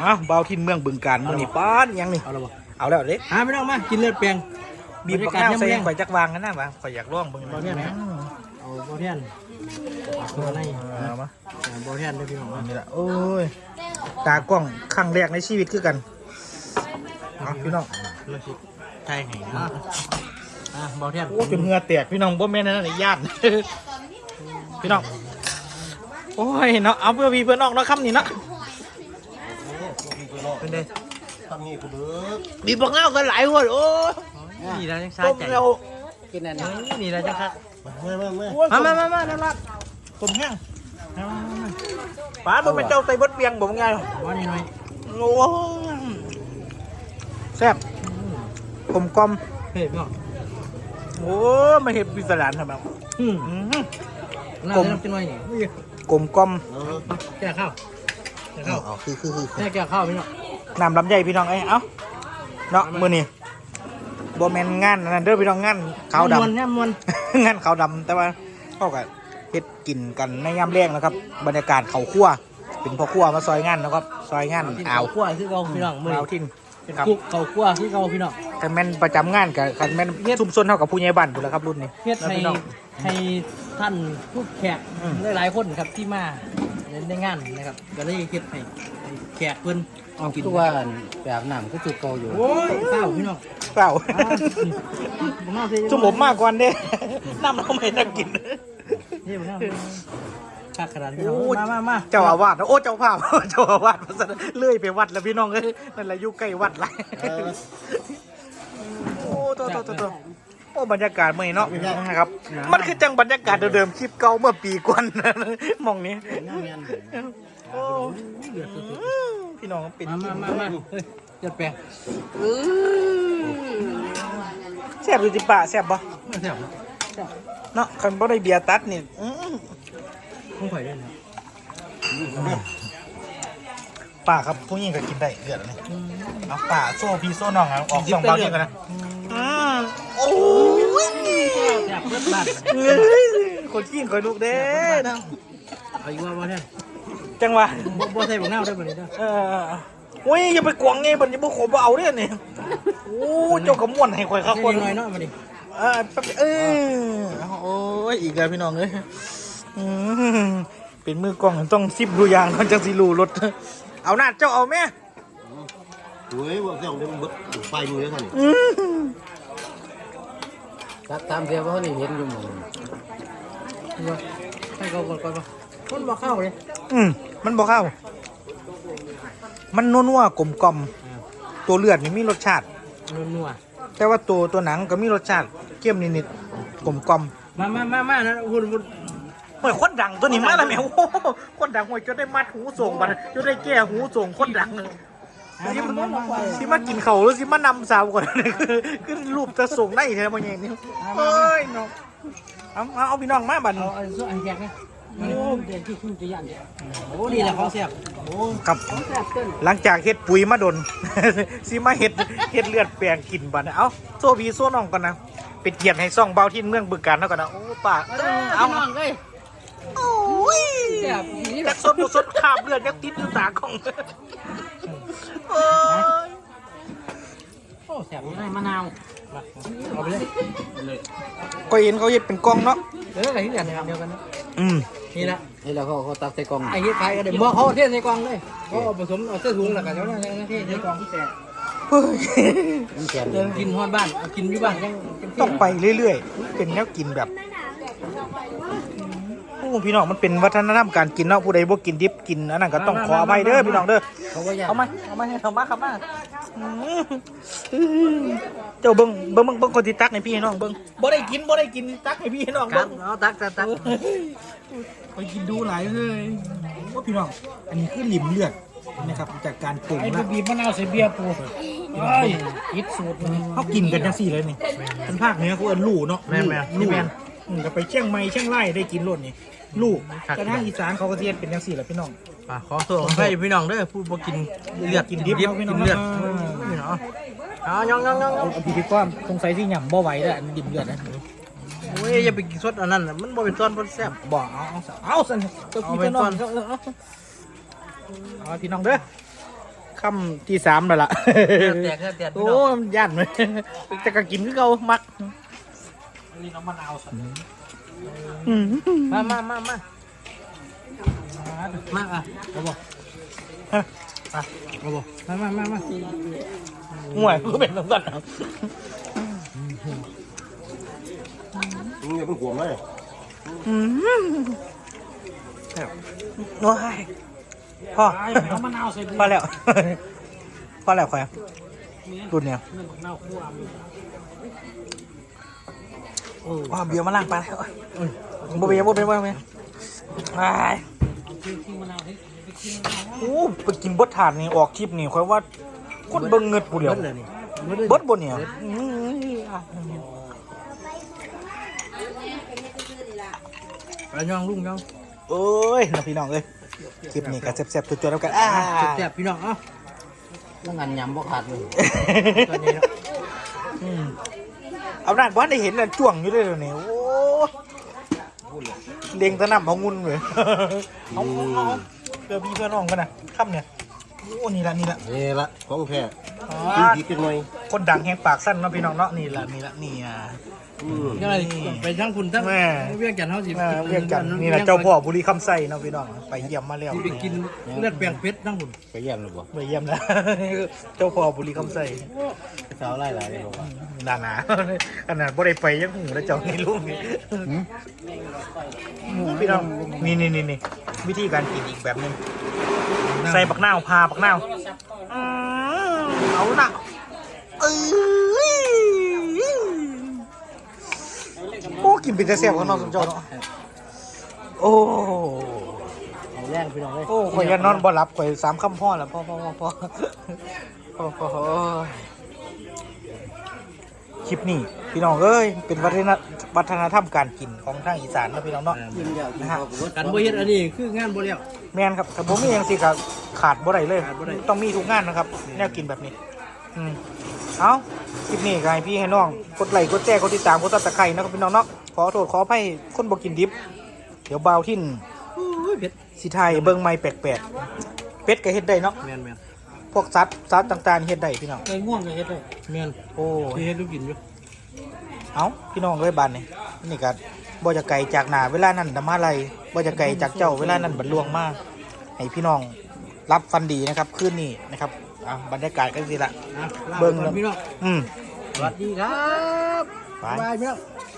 เบาทินเมืองบึงกาฬมันนี่ป้านยังนี่เอาแล้วเด็กไม่ต้องมากินเลือดแปลงบีบข้าวใส่ข่อยจักวางกันนะวะข่อยอยากลองบึงบอเทียนเอาบอเทียนตัวไหนมาบอเทียนได้พี่ผมนี่แหละโอ้ยตากล้องครั้งแรกในชีวิตคือกันพี่น้องใช่บอเทียนโอ้จนเหงื่อแตกพี่น้องบ่แม่นนั่นญาติพี่น้องโอ้ยเนาะเอาเพื่อพี่เพื่อนน้องเนาะคำนี้เนาะเป็นไงทำงี้กูเบิกบีบบักเงากันหลายคนโอ้นี่เราจะใช้ใจกินอันนี้นี่เราจะคักมาน้ำรัดผมแห้งป้าเป็นเจ้าไตบดเบียงผมไงว่านี่หน่อยโอ้แซ่บกลมกลมเผ็ดเนาะโอ้ไม่เห็นพิศดารทำไมกลมกินหน่อยนี่กลมกลมแก่ข้าวคือแก่ข้าวพี่เนาะน้ำลำไยพี่น้องเอ้าเนาะมือนี่โบแมนงานนั่นเด้อพี่น้องงานขาวดำงานขาวดำแต่ว่าเขาก็เฮ็ดกินกันในยามแรงนะครับบรรยากาศเขาคั่วเป็นพ่อคั่วมาซอยงานนะครับซอยงานอ่าวคั่วคือเราพี่น้องมือเอาทิ้งครับเขาคั่วคือเราพี่น้องกันแม่นประจำงานกับกันแม่นซุ่มซนเท่ากับผู้ใหญ่บ้านอยู่แล้วครับรุ่นนี้เฮ็ดให้ท่านผู้แขกหลายคนครับที่มาในงานนะครับก็เลยเฮ็ดให้แขกเพิ่นเอากินว่าแบบหนังก็จุกเกาอยู่โอ้ยเศร้าพี่น้องเศร้าจุ่มผมมากกว่าเด้น้ำเราไม่ได้กินนี่มันชักขนาดนี้มาเจ้าอาวาสโอ้เจ้าภาพเจ้าอาวาสเลื่อยไปวัดแล้วพี่น้องเอ้ยนั่นแหละอยู่ใกล้วัดไรโอ้ตัวโอ้บรรยากาศเมื่อนี้เนาะนะครับมันคือจังบรรยากาศเดิมๆคลิปเก่าเมื่อปีก่อนมองนี้โอ้พี่น้องปิดมาจัดแปลงแซ่บดูจิป่าแซ่บบ่แซ่บเนาะคันบ่ได้เบียร์ตัดนี่ต้องข่อยด้วยนะป่าครับผู้หญิงก็กินได้เลือดนี่เอาป่าโซ่พี่โซ่น้องออกสองเบาเดียวกันนะโอ้ยแซ่บเพื่อนบ้านคนขี้คอยลูกเด้นะเอาอีกว่าบ่แท้จังวะบ่ใส่บ่เงาได้บ่นี่เด้อโอ้ยอย่าไปกวางไงบัดนี้บ่ขมเอาเด้อนี่โอ้เจ้าก็ม่วนให้ข่อยครับคนน้อยเนาะมาดิโอ้ยอีกแล้วพี่น้องเอ้ยเป็นมือกล้องต้องซิบดูยางมันจังสิรู้รถเอาหน้าเจ้าเอาแม่เฮ้ยว่าเจ้าเดี๋ยวมันเบิดไฟมือแล้วท่านตัดตามเสียเพราะนี่เห็นอยู่หมดให้เขาก่อนป่ะคนบ่เข้าเลยมันบ่เข้ามันนัวๆกลมๆตัวเลือดนี่มีรสชาตินัวแต่ว่าตัวหนังก็มีรสชาติเข้มนิดๆกลมๆมานะหุ่นโอ้ยคนดังตัวนี้มาแล้วแมวคนดังโอ้ยจะได้มัดหูส่งบัดจะได้แก้หูส่งคนดังสิมากินเขาหรือสิมานำสาวก่อนคือรูปจะส่งได้แท้บ่ยังนี่เอ้ยน้องเอาพี่น้องมาบัดเอาอันแยกนะโอ้เดี๋ยวที่ขึ้นจะยันโอ้นี่แหละของแซ่บโอ้ครับหลังจากเฮ็ดปุ๋ยมาดนสิมาเฮ็ดเลือดแปลงกินบัดเอาโซ่พี่โซ่น้องก่อนนะเป็นเกียรติให้ซ่องเบาที่เมืองบึงกาฬเท่ากันนะโอ้ป่าเอาน้องเลยโอ้ยจากสดขาบเลือดยังติดอยู่ตาของโอ้แซ่บนี่มะนาวเอาไปเลยก็เห็นเขาเฮ็ดเป็นกล่องเนาะอะไรที่เดียวกันนะนี่ละนี่แล้วเขาตักใส่กล่องไอ้เฮ็ดขายก็ได้บ่เขาเทใส่กล่องเลยเขาผสมเอาใส่ถุงแล้วกันแล้วนะเทใส่กล่องที่แซ่กินฮอดบ้านกินอยู่บ้านยังต้องไปเรื่อยๆเป็นแนวกินแบบโอ้พี่น้องมันเป็นวัฒนธรรมการกินเนาะผู้ใดบ่กินดิบกินอันนั้นก็ต้องขออภัยเด้อพี่น้องเด้อเอามาครับมาเจ้าเบิ่งคนที่ตักให้พี่น้องเบิ่งบ่ได้กินตักให้พี่น้องเบิ่งเอาตักไปกินดูหลายเลยว่าพี่น้องอันนี้คือลิ่มเลือดนะครับจากการปรุงไอ้บีบมะนาวใส่เบียร์ปูอิดสูตรเขากินกันจังสี่เลยนี่เป็นภาคเหนือเขาเอิ้นลู่เนาะลู่ก็ไปเชียงใหม่เชียงรายได้กินรสนี่ลูกกระทั่งอีสานเขาก็เทียนเป็นจังสี่แหละพี่น้องขอตัวให้พี่น้องเด้อผู้บ่กินเลือดกินดิบกินเลือดพี่น้องย่องพี่ก้อมสงสัยที่หย่ำบ่ไหวแล้วดิบเลือดนะโอ้ยอย่าไปกินซดอันนั้นมันบ่เป็นซอสบ่แซ่บบ่เอาสั่นเอาพี่น้องเอาพี่น้องเด้อคค่ำที่3แล้วล่ะแตกแตกโอ้มันย่านเลยแต่ก็กินคือเก่ามักนี่น้ำมะนาวสันมาอ่ะเอาบ่เอาบ่มาห่วยก็เป็นแบบนั้นมึงอย่าเพิ่งห่วงเลยโอ้ยพ่อเอามะนาวใส่พอแล้วพอแล้วค่อยรุ่นเนี่ยมะนาวคั่วว้าเบียร์มาล้างปลาแล้วบ่เบียร์ไปโอ้ไปกินบดถาดนี่ออกคลิปนี่ค่อยว่าคนเบิ่งเงิดผู้เดียวเลยนี่เบิดบ่เนี่ยไปย่องลุงย่องเอ้ยนะพี่น้องเอ้ยคลิปนี้ก็แซ่บๆจุดๆแล้วกันแซ่บพี่น้องเอ้าต้องงานยำบ่ขาดเลยตอนนี้เนาะเอาหน้าบ้านได้เห็นแล้วจ้วงอยู่เลยเดี๋ยวนี้โอ้เลี้ยงตะนำเอางุนเลยเอาเพื่อพี่เพื่อน้องกันนะค่ำเนี่ยโอ้นี่ละนี่ละของแท้ดีจังหน่อยคนดังแหงปากสั้นเนาะพี่น้องเนาะนี่อ่ะก็เลยไปทั้งคุณทั้งเวียงจันทร์เฮาสิเรียกกันนี่ละเจ้าพ่อบุรีคำไส้เนาะพี่น้องไปเยี่ยมมาแล้วไปกินเลือดแปลงเพชรทั้งคุณไปเยี่ยมหรือเปล่าไปเยี่ยมแล้ว เจ้าพ่อบุรีคำไส้สาวไล่หลายเลยบอกว่าหนาขนาดบ่ได้ไปยังหูแล้วเจ้านี่ลุงนี่พี่น้องนี่วิธีการกินอีกแบบนึงใส่ปักนาวพาปักนาวเอาหนักโอ้กินเป็นแต่แซ่บของน้องสมเจ้าเนาะโอ้เอาแรงพี่น้องเลยโอ้ข่อยยันนอนบ่หลับข่อย3คำพ่อแล้วพ่อคลิปนี้พี่น้องเอ้ยเป็นวัฒนธรรมการกินของทางอีสานนะพี่น้องเนาะนะฮะกันบ่เฮ็ดอันนี้คืองานบ่แล้วแม่นครับแต่ผมมีอย่างสิก็ขาดบ่ได้เลยขาดบ่ได้ต้องมีทุกงานนะครับแนวกินแบบนี้เอาคลิปนี้ก็ให้พี่ให้น้องกดไลค์กดแชร์กดติดตามกดซับสไครต์นะครับพี่น้องเนาะขอโทษขออภัยคนบ่กินดิบเดี๋ยวบ่าวทิ่นเพชรสิไทยเบิ่งใหม่แปลกเป็ดก็เฮ็ดได้เนาะแม่นพวกสัตว์ต่างๆเฮ็ดได้พี่น้องไก่ง่วงก็เฮ็ดได้แม่นโอ้ที่เฮ็ดลูกกินอยู่เอาพี่น้องเลยบ้านนี่ก็บ่จะไกลจากหน้าเวลานั้นดมาไลบ่จะไกลจากเจ้าเวลานั้นบรรลวงมาให้พี่น้องรับฟันดีนะครับคืนนี้นะครับบรรยากาศกันสิละเบิ่งพี่น้องอืมสวัสดีครับไปบายพี่น้อง